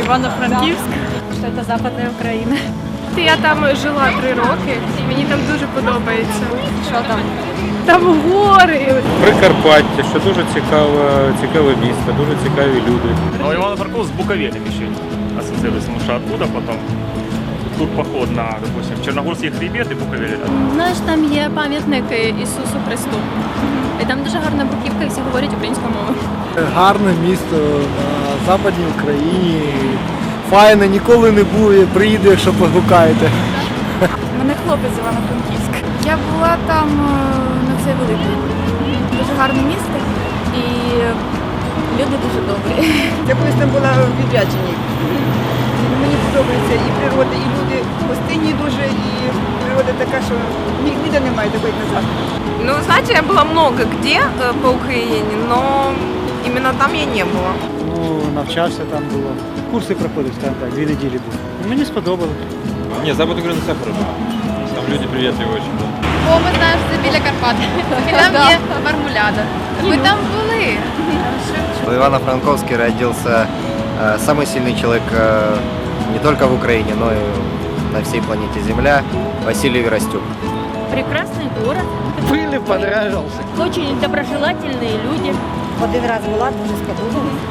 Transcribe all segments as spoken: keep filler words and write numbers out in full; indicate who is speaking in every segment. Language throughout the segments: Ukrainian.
Speaker 1: Івано-Франківськ, що це Западна Україна.
Speaker 2: Я там жила три роки, і мені там дуже подобається.
Speaker 1: Що там?
Speaker 2: Там гори.
Speaker 3: Прикарпаття, що дуже цікаве, цікаве місто, дуже цікаві люди.
Speaker 4: Но Ивано-Франковск с Буковелем еще ассоциируется, потому что оттуда потом тут поход на, допустим, Черногорский хребет и Буковель.
Speaker 5: Знаєш, там є пам'ятник Ісусу Христу. І там дуже гарна бруківка, і всі говорять українською мовою.
Speaker 6: Гарне місто на Западній Україні. Файне, ніколи не був, приїду, якщо погукаєте.
Speaker 1: У мене хлопець з Івано-Франківська. Я була там на цей великий. Дуже гарне місто і люди дуже добрі.
Speaker 7: Я колись там була в відрядженні. Мені подобається і природа, і люди гостинні дуже, і природа така, що ні- ніде немає такої, як на Заході.
Speaker 8: Ну, знаете, я была много где э, по Украине, но именно там я не была.
Speaker 6: Ну, навчався там було. Курси проходив, скажімо так, дві неділі був. Мені сподобалось.
Speaker 3: Ні, Запад України це круто. Там люди приємні дуже.
Speaker 5: Бо ми знаємо, що це біля Карпат. І там є мармуляда. Ми там були.
Speaker 9: В Ивано-Франковске родился э, самый сильный человек э, не только в Украине, но и на всей планете Земля, Василий Веростюк.
Speaker 1: Прекрасний город,
Speaker 6: Пили, понравився.
Speaker 1: дуже доброжелательні люди.
Speaker 7: Один раз була, дуже сподобалась.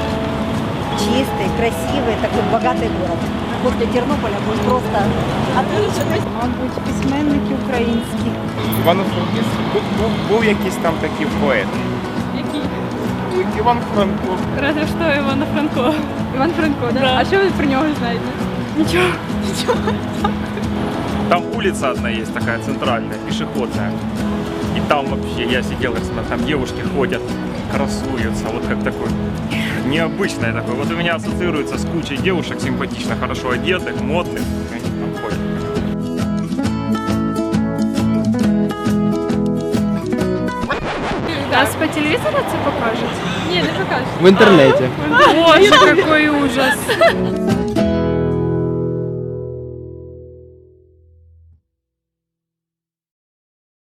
Speaker 7: Чистий, красивий, такий багатий город. После Тернополя був просто отлично.
Speaker 1: Мабуть, письменники українські.
Speaker 3: Івано-Франківськ був, був, був якийсь там такий поет.
Speaker 2: Який?
Speaker 3: Іван Франко.
Speaker 2: Разве що Івана Франко. Іван Франко, так? Да? А що ви про нього знаєте? Нічого. Нічого.
Speaker 4: Там улица одна есть такая центральная, пешеходная. И там вообще, я сидел, как смотрел, там девушки ходят, красуются, вот как такой, необычное такое. Вот у меня ассоциируется с кучей девушек симпатично, хорошо одетых, модных, и они там ходят.
Speaker 2: Нас по телевізору це покажуть? Ні, не покажуть.
Speaker 6: В інтернеті.
Speaker 2: Боже, який ужас.